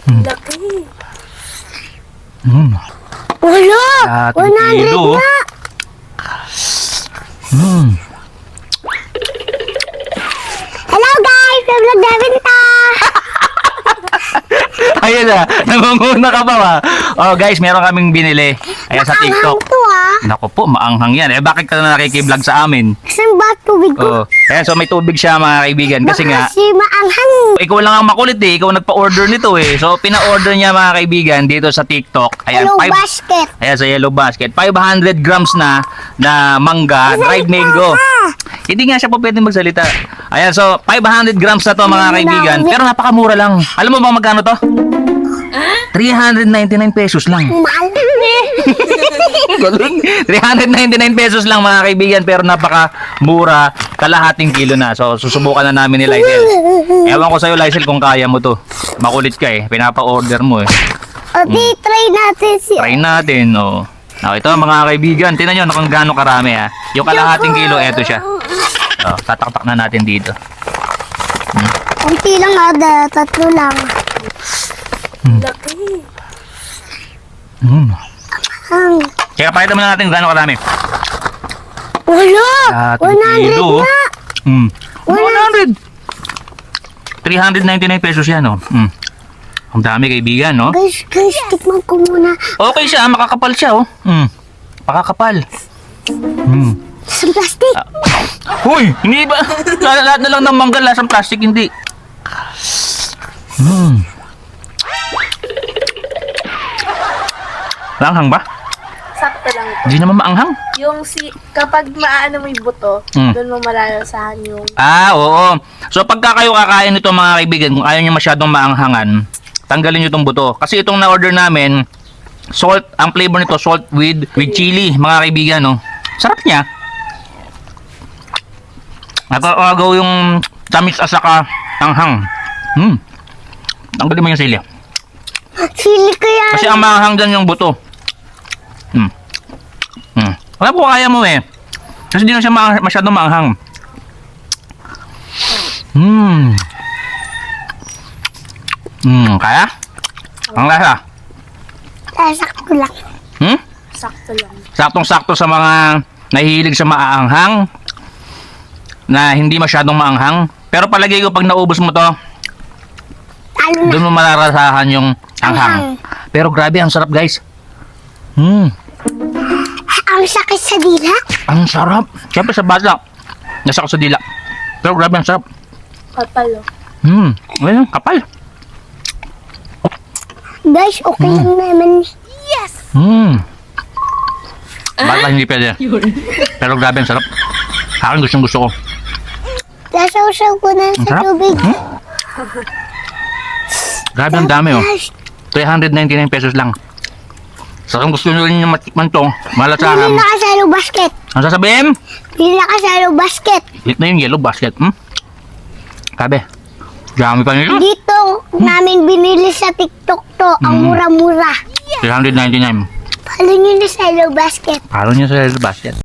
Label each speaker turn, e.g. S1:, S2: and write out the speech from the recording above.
S1: Laki.
S2: Wala!
S3: Lahat ng
S2: 100
S3: kilo.
S2: na! Hello guys! Vlog namin to!
S3: Ayan na, namanguna ka pa ba? Oh guys, meron kaming binili. Ayan sa TikTok.
S2: Maanghang to ah!
S3: Naku po, maanghang yan. Eh bakit ka na nakikiblog sa amin?
S2: Saan ba tubig ko?
S3: Oh, ayan, so may tubig siya mga kaibigan. Kasi nga,
S2: Kasi maanghang!
S3: ikaw lang ang makulit eh. Ikaw nagpa-order nito eh. So, pina-order niya mga kaibigan dito sa TikTok. Ayan,
S2: Hello basket!
S3: ayan sa Yellow Basket. 500 grams na mangga, dried mango. Hindi nga siya po pwede magsalita. Ayan, so 500 grams na to mga kaibigan. Pero napakamura lang. Alam mo ba magkano to? 399 pesos lang.
S2: Mahal!
S3: Galing. 399 pesos lang mga kaibigan, pero napakamura, kalahating kilo na. So susubukan na namin ni Lysel. Ewan ko sa'yo Lysel kung kaya mo to. Makulit ka eh, pinapa-order mo eh.
S2: O di, try natin si...
S3: Try natin, oh. Now, ito mga kaibigan, tingnan nyo kung gaano karami ha. Yung kalahating kilo, eto siya. Oh, tataktak na natin dito.
S2: Kunti lang ada, 3 lang.
S1: Laki.
S2: Ang...
S3: Kaya pakita muna natin kung gaano karami.
S2: Wala!
S3: Kalahating
S2: 100
S3: kilo.
S2: na!
S3: 100! 399 pesos yan, oh. Ang dami kaibigan, no?
S2: Guys, tikman ko muna.
S3: Okay siya, makakapal siya, oh. Makakapal.
S2: Sa plastic.
S3: Hoy, hindi ba? Lahat na lang ng mangga lasang plastic, hindi. Maanghang ba?
S1: Sakto lang.
S3: Hindi naman maanghang.
S1: Yung kapag maano mo yung buto, doon mo malalasahan yung...
S3: Ah, oo. So pagka kayo kakain nito mga kaibigan, kung ayaw nyo masyadong maanghangan, tanggalin nyo itong buto. Kasi itong na-order namin, salt, ang flavor nito, salt with chili, mga kaibigan, no? Sarap niya. Nakakagaw yung tamis at saka anghang. Tanggalin mo yung sili.
S2: Sili ko yan.
S3: Kasi ang maanghang dyan yung buto. Alam ko kaya mo eh. Kasi di na siya masyadong maanghang. Kaya? Ang lasa?
S2: Sakto lang.
S1: Sakto lang.
S3: Saktong-sakto sa mga nahihilig sa maaanghang, na hindi masyadong maanghang. Pero palagay ko pag naubos mo to,
S2: Talo na.
S3: doon mo malarasahan yung anghang. Pero grabe, ang sarap guys.
S2: Ang sakit sa dila.
S3: Ang sarap. Siyempre sa basa, nasa ko sa dila. Pero grabe, ang sarap.
S1: Kapalo.
S3: Ayun, kapal.
S2: Guys, okay lang naman.
S3: Baka hindi pwede. Pero grabe, ang sarap. Akin gusto ko.
S2: Nasaw-saw ko na sa
S3: Sarap.
S2: tubig.
S3: Grabe, ang dami oh.
S2: Guys,
S3: 399 pesos lang. So kung gusto nyo rin yung matikman to,
S2: bili
S3: malasahan.
S2: na ka sa yellow basket.
S3: Ang sasabihin?
S2: Bili na ka sa yellow basket.
S3: Ito na yung Yellow Basket. Grabe. Dami pa nito.
S2: Dito namin binili sa TikTok to. Ang mura-mura.
S3: 399.
S2: Follow nyo na sa yellow basket.
S3: Paro niya sa Yellow Basket.